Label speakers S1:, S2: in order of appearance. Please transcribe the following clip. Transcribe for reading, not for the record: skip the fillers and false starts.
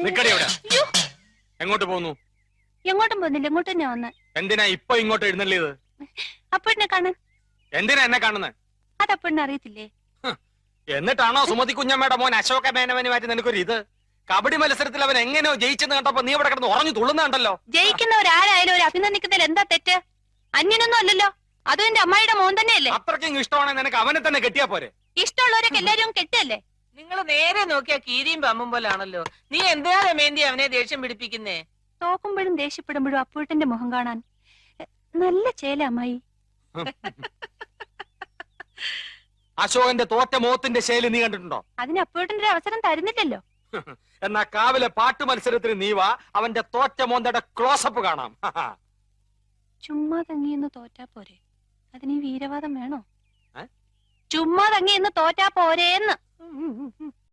S1: നിക്കടി അവിടെ.
S2: അയ്യോ,
S1: എങ്ങോട്ട് പോകുന്നു?
S2: എങ്ങോട്ടും പോകുന്നില്ല, ഇങ്ങോട്ട് തന്നെ വന്ന്.
S1: എന്തിനാ ഇപ്പൊ ഇങ്ങോട്ട് എഴുന്നള്ളിയത്?
S2: അപ്പോഴിനെ കാണാൻ.
S1: എന്തിനാ എന്നെ കാണുന്നത്?
S2: അത് അപ്പോഴിനെ അറിയത്തില്ലേ?
S1: എന്നിട്ടാണോ സുമതി കുഞ്ഞമ്മയുടെ മോൻ അശോക മേനവനുമായിട്ട് നിനക്കൊരു ഇത്? കബഡി മത്സരത്തിൽ അവൻ എങ്ങനെയോ ജയിച്ചെന്ന് കണ്ടപ്പോ നീ ഇവിടെ കിടന്ന് ഉറഞ്ഞു തുള്ളുന്നുണ്ടല്ലോ.
S2: ജയിക്കുന്നവരാരായാലും ഒരു അഭിനന്ദിക്കുന്നതിൽ എന്താ തെറ്റ്? അന്യനൊന്നും അല്ലല്ലോ, അതും എന്റെ അമ്മായിയുടെ മോൻ തന്നെയല്ലേ.
S1: അത്രയ്ക്കും ഇഷ്ടമാണെങ്കിൽ നിനക്ക് അവനെ തന്നെ കെട്ടിയാ പോരെ?
S2: ഇഷ്ടമുള്ളവരൊക്കെ എല്ലാരും കെട്ടല്ലേ?
S3: നിങ്ങൾ നേരെ നോക്കിയാ കീരിയും പമ്പും പോലാണല്ലോ. നീ എന്തിനാ രമേന്തി അവനെ ദേഷ്യം പിടിപ്പിക്കുന്നേ?
S2: തോക്കുമ്പോഴും ദേഷ്യപ്പെടുമ്പോഴും അപ്പൂട്ടന്റെ മുഖം കാണാൻ നല്ല ചേല അമ്മായി.
S1: അശോകന്റെ തോറ്റ മോത്തിന്റെ ശൈലി നീ കണ്ടിട്ടുണ്ടോ?
S2: അതിന് അപ്പൂട്ടന്റെ അവസരം തരുന്നില്ലല്ലോ.
S1: എന്നാ കാവിലെ പാട്ട് മത്സരത്തിന് നീ വാ, അവന്റെ തോറ്റ മോന്തയുടെ ക്ലോസപ്പ് കാണാം.
S2: ചുമ്മാ തങ്ങിയെന്ന് തോറ്റാ പോരെ, അതിന് ഈ വീരവാദം വേണോ? ചുമ്മാ തങ്ങിയെന്ന് തോറ്റാ പോരേന്ന്.